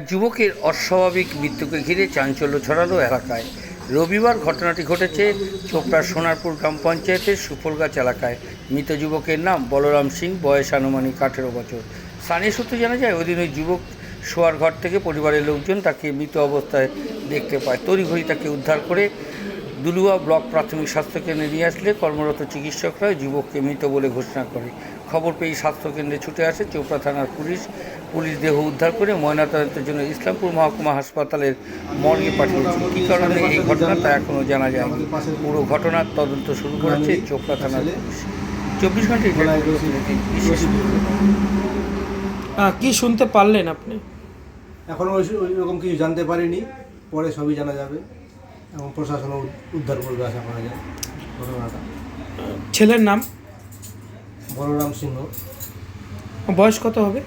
যুবকের অস্বাভাবিক মৃত্যুকে ঘিরে চাঞ্চল্য ছড়ালো এলাকায়। রবিবার ঘটনাটি ঘটেছে চোপড়ার সোনারপুর গ্রাম পঞ্চায়েতের সুফলগাছ এলাকায়। মৃত যুবকের নাম বলরাম সিং, বয়স আনুমানিক 18 বছর। স্থানীয় সূত্রে জানা যায়, ওই দিন ওই যুবক শোয়ার ঘর থেকে পরিবারের লোকজন তাকে মৃত অবস্থায় দেখতে পায়। তড়িঘড়ি তাকে উদ্ধার করে দুলুয়া ব্লক প্রাথমিক স্বাস্থ্যকেন্দ্রে নিয়ে আসলে কর্মরত চিকিৎসকরা যুবককে মৃত বলে ঘোষণা করে। খবর পেয়ে স্বাস্থ্যকেন্দ্রে ছুটে আসে চোপড়া থানার পুলিশ দেহ উদ্ধার করে ময়নাতদন্তের জন্য ইসলামপুর মহকুমা হাসপাতালের মর্গে পাঠিয়েছে। কী কারণে এই ঘটনা তা এখনও জানা যায়নি। পুরো ঘটনার তদন্ত শুরু করেছে চোপড়া থানার পুলিশ। 24 ঘন্টায় বিশেষ কি শুনতে পারলেন আপনি? এখনও ওই রকম কিছু জানতে পারিনি, পরে সবই জানা যাবে এবং প্রশাসন উদ্ধার করবে আশা করা যায় ঘটনাটা। ছেলের নাম? বলরাম সিংহ। বয়স কত হবে?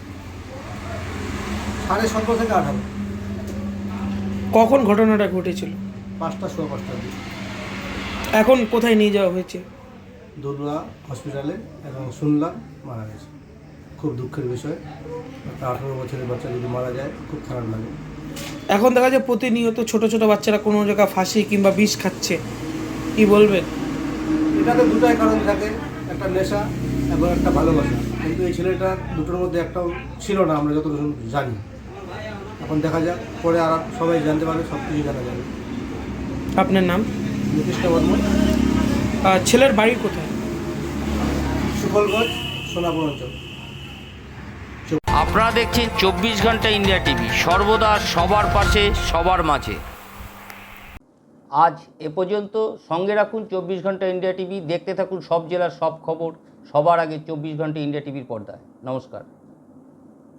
17.5 থেকে 18। কখন ঘটনাটা ঘটেছিল? 5টা সোয়া 5টার দিকে এখন কোথায় নিয়ে যাওয়া হয়েছে? দলুয়া হসপিটালে, এবং শুনলাম মারা গেছে। খুব দুঃখের বিষয়, একটা 18 বছরের বাচ্চা যদি মারা যায় খুব খারাপ লাগে। এখন দেখা যায় প্রতিনিয়ত ছোট ছোট বাচ্চারা কোনো জায়গায় ফাঁসি কিংবা বিষ খাচ্ছে, কি বলবেন? এটাতে দুটাই কারণ থাকে, একটা নেশা এবং একটা ভালোবাসা। কিন্তু এই ছেলেটা দুটোর মধ্যে একটাও ছিল না, আমরা যতটুকু জানি। এখন দেখা যাক, পরে আর সবাই জানতে পারবে, সব কিছু জানা যাবে। আপনার নাম? নীতিশ বর্মন। ছেলের বাড়ি কোথায়? সুফলগঞ্জ, সোনাপুর অঞ্চল। আপনারা দেখছেন 24 ঘন্টা ইন্ডিয়া টিভি, সর্বদা সবার পাশে, সবার মাঝে। আজ এ পর্যন্ত। সঙ্গে রাখুন 24 ঘন্টা ইন্ডিয়া টিভি। দেখতে থাকুন সব জেলার সব খবর সবার আগে 24 ঘন্টা ইন্ডিয়া টিভির পর্দায়। নমস্কার।